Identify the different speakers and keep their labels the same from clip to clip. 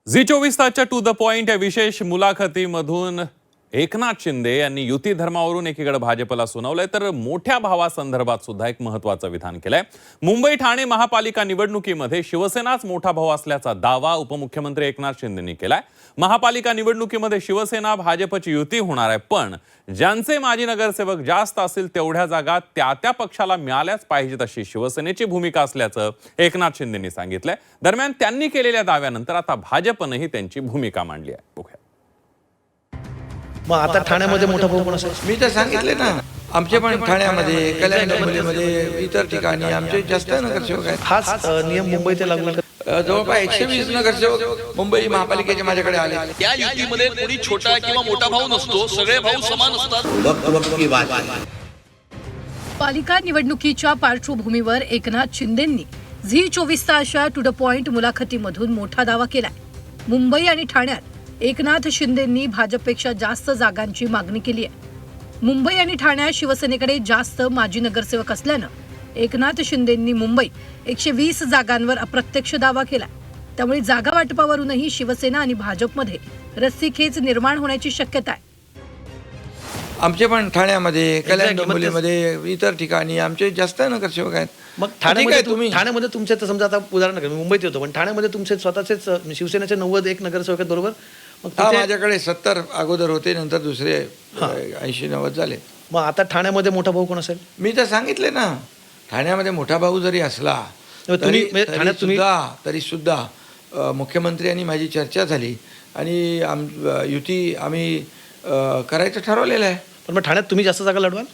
Speaker 1: Zee 24 तासच्या to the point या विशेष मुलाखतीमधून एकनाथ शिंदे यांनी युती धर्मावरून एकीकडे भाजपला सुनावलंय तर मोठ्या भावासंदर्भात सुद्धा एक महत्त्वाचं विधान केलंय। मुंबई ठाणे महापालिका निवडणुकीमध्ये शिवसेनाच मोठा भाऊ असल्याचा दावा उपमुख्यमंत्री एकनाथ शिंदेंनी केलाय। महापालिका निवडणुकीमध्ये शिवसेना भाजपची युती होणार आहे, पण ज्यांचे माजी नगरसेवक जास्त असतील तेवढ्या जागा त्या पक्षाला मिळाल्याच पाहिजेत अशी शिवसेनेची भूमिका असल्याचं एकनाथ शिंदेंनी सांगितलंय। दरम्यान त्यांनी केलेल्या दाव्यानंतर आता भाजपनेही त्यांची भूमिका मांडली आहे। बघूया।
Speaker 2: मग आता ठाण्यामध्ये मोठा भाऊ कोण असेल?
Speaker 3: मी तर सांगितले ना, आमचे पण ठाण्यामध्ये कल्याण डोंबिवलीमध्ये इतर ठिकाणी आमचे जास्त नगरसेवक आहेत।
Speaker 2: हाच नियम मुंबईत लागू आहे का?
Speaker 3: जवळपास 120 नगरसेवक मुंबई महापालिकेचे माझ्याकडे आले।
Speaker 4: त्या युतीमध्ये कोणी छोटा किंवा मोठा भाऊ नसतो, सगळे भाऊ समान असतात।
Speaker 3: वक्त की बात आहे।
Speaker 5: पालिका निवडणुकीच्या पार्श्वभूमीवर एकनाथ शिंदेंनी झी 24 तासच्या टू द पॉइंट मुलाखतीमधून मोठा दावा केलाय। मुंबई आणि ठाण्यात एकनाथ शिंदेंनी भाजपपेक्षा जास्त जागांची मागणी केली आहे। मुंबई आणि ठाण्यात शिवसेनेकडे जास्त माजी नगरसेवक असल्यानं एकनाथ शिंदेंनी मुंबई 120 जागांवर अप्रत्यक्ष दावा केला। त्यामुळे जागा वाटपावरूनही शिवसेना आणि भाजपमध्ये रस्सीखेच निर्माण होण्याची शक्यता आहे।
Speaker 3: आमचे पण ठाण्यामध्ये कल्याण डोंबिवलीमध्ये इतर ठिकाणी आमचे जास्त नगरसेवक आहेत।
Speaker 2: मग ठाण्यामध्ये तुमचे तर समजा आता उदाहरण नका, मुंबईत होतो, पण ठाण्यामध्ये तुमचे स्वतःचेच शिवसेनेचे 91 नगरसेवक आहेत, बरोबर? मग
Speaker 3: माझ्याकडे 70 अगोदर होते, नंतर दुसरे 80-90 झाले।
Speaker 2: मग आता ठाण्यामध्ये मोठा भाऊ कोण असेल?
Speaker 3: मी तर सांगितले ना, ठाण्यामध्ये मोठा भाऊ जरी असला तरी सुद्धा मुख्यमंत्री आणि माझी चर्चा झाली आणि युती आम्ही करायचं ठरवलेलं आहे।
Speaker 2: पण मग ठाण्यात तुम्ही जास्त जागा लढवाल?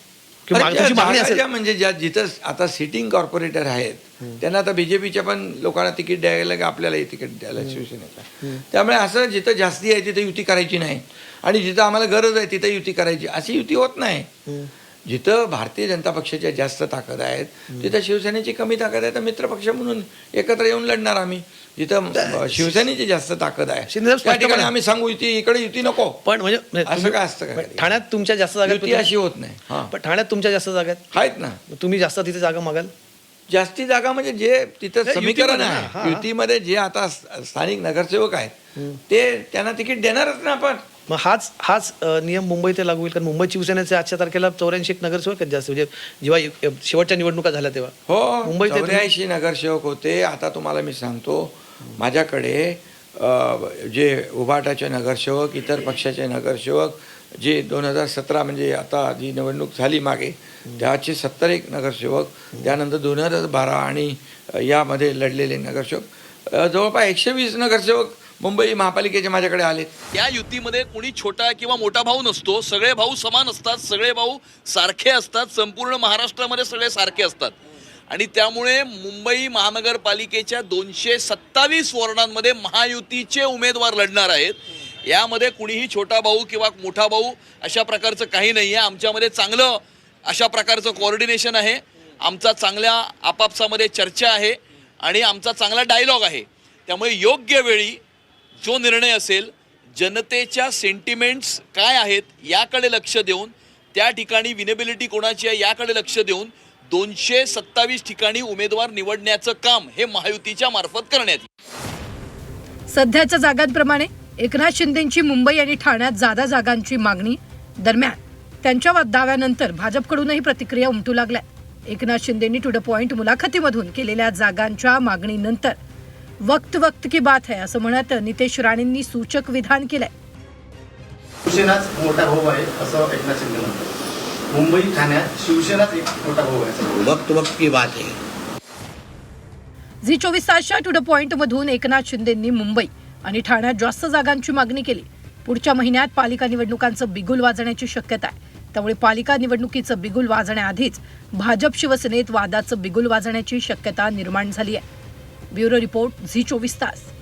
Speaker 3: म्हणजे जिथं आता सिटिंग कॉर्पोरेटर आहेत त्यांना आता बीजेपीच्या पण लोकांना तिकीट द्यायला की आपल्यालाही तिकीट द्यायला शिवसेनेचा। त्यामुळे असं जिथं जास्ती आहे तिथे युती करायची नाही आणि जिथं आम्हाला गरज आहे तिथे युती करायची, अशी युती होत नाही। जिथं भारतीय जनता पक्षाच्या जास्त ताकद आहेत तिथं शिवसेनेची कमी ताकद आहे, तर मित्रपक्ष म्हणून एकत्र येऊन लढणार आम्ही। जिथं शिवसेनेची जास्त ताकद आहे त्या ठिकाणी आम्ही सांगू इकडे युती नको,
Speaker 2: पण म्हणजे
Speaker 3: असं काय असतं का?
Speaker 2: ठाण्यात तुमच्या जास्त जागा
Speaker 3: अशी होत नाही।
Speaker 2: पण ठाण्यात तुमच्या जास्त जागा
Speaker 3: आहेत ना,
Speaker 2: तुम्ही जास्त तिथे जागा मागाल?
Speaker 3: जास्ती जागा म्हणजे जे तिथं समीकरण आहे युतीमध्ये जे आता स्थानिक नगरसेवक आहेत ते त्यांना तिकीट देणारच ना आपण।
Speaker 2: मग हाच नियम मुंबईत लागू होईल? कारण मुंबई शिवसेनेचे आजच्या तारखेला 84 नगरसेवक आहेत जास्त, म्हणजे जेव्हा शेवटच्या निवडणुका झाल्या तेव्हा
Speaker 3: हो
Speaker 2: मुंबईत
Speaker 3: 84 नगरसेवक होते। आता तुम्हाला मी सांगतो, माझ्याकडे जे उभाटाचे नगरसेवक, इतर पक्षाचे नगरसेवक जे 2017 म्हणजे आता जी निवडणूक झाली मागे त्याचे 71 नगरसेवक, त्यानंतर 2012 आणि यामध्ये लढलेले नगरसेवक जवळपास 120 नगरसेवक मुंबई महापालिकेचे माझ्याकडे आले।
Speaker 4: त्या युतीमध्ये कोणी छोटा किंवा मोठा भाऊ नसतो, सगळे भाऊ समान असतात, सगळे भाऊ सारखे असतात, संपूर्ण महाराष्ट्रामध्ये सगळे सारखे असतात। आणि त्यामुळे मुंबई महानगरपालिकेच्या 227 वॉर्डांमध्ये महायुतीचे उमेदवार लढणार आहेत। यामध्ये कुणीही छोटा भाऊ किंवा मोठा भाऊ अशा प्रकारचं काही नाही आहे। आमच्यामध्ये चांगलं अशा प्रकारचं कोऑर्डिनेशन आहे, आमचा चांगल्या आपापसामध्ये चर्चा आहे आणि आमचा चांगला डायलॉग आहे। त्यामुळे योग्य वेळी जो निर्णय असेल, जनतेच्या सेंटिमेंट्स काय आहेत याकडे लक्ष देऊन, त्या ठिकाणी विनेबिलिटी कोणाची आहे याकडे लक्ष देऊन 227 ठिकाणी उमेदवार निवडण्याचं काम हे महायुतीच्या मार्फत करण्यात येईल।
Speaker 5: सध्याच्या जागांप्रमाणे एकनाथ शिंदेंची मुंबई आणि ठाण्यात जादा जागांची मागणी दरम्यान त्यांच्या दाव्यानंतर भाजपकडूनही प्रतिक्रिया उमटू लागल्या। एकनाथ शिंदेंनी टू द पॉइंट मुलाखतीमधून केलेल्या जागांच्या मागणीनंतर वक्त की बात है असं म्हणत नितेश राणेंनी सूचक विधान केलंय।
Speaker 6: शिवसेनाच मोठा भाऊ आहे असं एकनाथ शिंदे म्हणतात। मुंबई ठाण्यात शिवसेनाच एक मोठा भाऊ आहे।
Speaker 3: वक्त की बात आहे।
Speaker 5: झी 24 तासच्या टू द पॉइंट मधून एकनाथ शिंदेंनी मुंबई आणि ठाण्यात जास्त जागांची मागणी केली। पुढच्या महिन्यात पालिका निवडणुकांचं बिगुल वाजण्याची शक्यता आहे, त्यामुळे पालिका निवडणुकीचं बिगुल वाजण्याआधीच भाजप शिवसेनेत वादाचं बिगुल वाजण्याची शक्यता निर्माण झाली आहे। ब्युरो रिपोर्ट झी 24 तास।